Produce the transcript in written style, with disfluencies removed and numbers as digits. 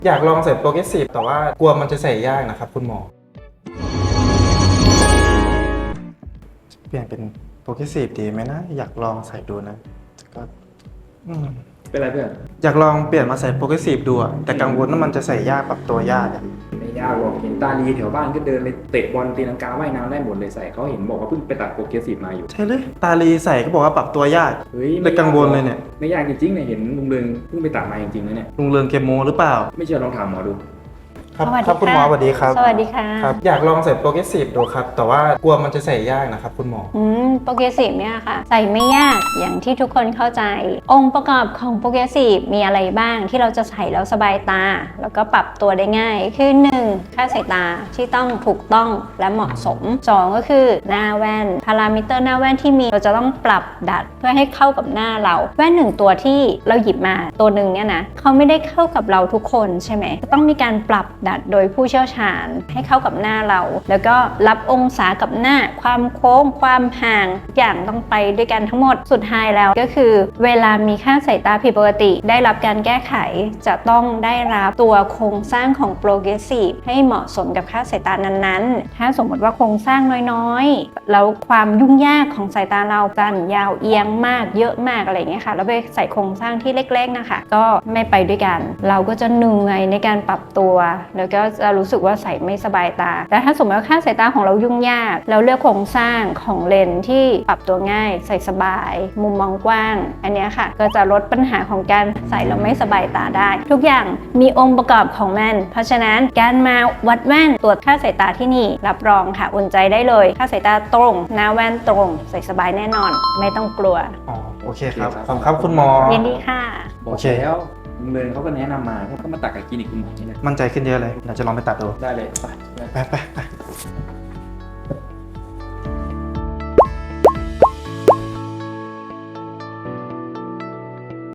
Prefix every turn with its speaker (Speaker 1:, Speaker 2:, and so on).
Speaker 1: อยากลองใส่โปรเกรสซีฟแต่ว่ากลัวมันจะใส่ยากนะครับคุณหมอเปลี่ยนเป็นโปรเกรสซีฟดีไหมนะอยากลองใส่ดูนะก็
Speaker 2: เป็นไรเพื่อน
Speaker 1: อยากลองเปลี่ยนมาใส่โปรเกรสซีฟดูอะแต่กังวลว่ามันจะใส่ยากปรับตัวยากอะ
Speaker 2: ไม่ยากหรอกเห็นตาลีแถวบ้านก็เดินไปเตะบอลตีลังกาว่ายน้ำได้หมดเลยใส่เขาเห็นบอกว่าเพิ่งไปตัดโปรเกรสซีฟมาอยู่
Speaker 1: ใช่เลยตาลีใส่ก็บอกว่าปรับตัวยาก
Speaker 2: เฮ้ย
Speaker 1: เลยกังวลเลยเนี่ย
Speaker 2: ไม่ยากจริงๆเนี่ยเห็นลุงเรืองเพิ่งไปตัดมาจริงๆนะเนี่ย
Speaker 1: ลุงเรืองเกมโมหรือเปล่า
Speaker 2: ไม่เชื่อลองถามหมอดู
Speaker 1: ครับคุณหมอสวัสดีครับ
Speaker 3: สวัสดีค่ะ
Speaker 1: ครับอยากลองใส่โปรเกรสซีฟดูครับแต่ว่ากลัวมันจะใส่ยากนะครับคุณหมอ
Speaker 3: โปรเกรสซีฟเนี่ยค่ะใส่ไม่ยากอย่างที่ทุกคนเข้าใจองค์ประกอบของโปรเกรสซีฟมีอะไรบ้างที่เราจะใส่แล้วสบายตาแล้วก็ปรับตัวได้ง่ายคือ 1. ค่าสายตาที่ต้องถูกต้องและเหมาะสม 2. ก็คือหน้าแว่นพารามิเตอร์หน้าแว่นที่มีเราจะต้องปรับดัดเพื่อให้เข้ากับหน้าเราแว่น1ตัวที่เราหยิบมาตัวหนึ่งเนี่ยนะเขาไม่ได้เข้ากับเราทุกคนใช่ไหมต้องมีการปรับดัดโดยผู้เชี่ยวชาญให้เข้ากับหน้าเราแล้วก็รับองศากับหน้าความโค้งความห่างอย่างต้องไปด้วยกันทั้งหมดสุดท้ายแล้วก็คือเวลามีค่าสายตาผิดปกติได้รับการแก้ไขจะต้องได้รับตัวโครงสร้างของโปรเกรสซีฟให้เหมาะสมกับค่าสายตานั้นๆถ้าสมมติว่าโครงสร้างน้อยๆแล้วความยุ่งยากของสายตาเราสั้นยาวเอียงมากเยอะมากอะไรอย่างเงี้ยค่ะแล้วไปใส่โครงสร้างที่เล็กๆนะคะก็ไม่ไปด้วยกันเราก็จะเหนื่อยในการปรับตัวแล้วก็จะรู้สึกว่าใส่ไม่สบายตาแต่ถ้าสมมติว่าค่าสายตาของเรายุ่งยากแล้วเลือกโครงสร้างของเลนส์ที่ปรับตัวง่ายใส่สบายมุมมองกว้างอันนี้ค่ะก็จะลดปัญหาของการใส่แล้วไม่สบายตาได้ทุกอย่างมีองค์ประกอบของมันเพราะฉะนั้นการมาวัดแว่นตรวจค่าสายตาที่นี่รับรองค่ะอุ่นใจได้เลยค่าสายตาตรงหน้าแว่นตรงใส่สบายแน่นอนไม่ต้องกลัว
Speaker 1: อ๋อโอเคครับขอบคุณครับคุณหมอ
Speaker 3: ยินดีค่ะ
Speaker 2: โอเคแล้วลุงเรืองเขาก็แนะนำมาเขาก็มาตัดกับคลินิกคุณหมอนี่แหละ
Speaker 1: มั่นใจขึ้นเยอะเลยเดี๋ยวจะลองไปตัดดู
Speaker 2: ได้เลยไป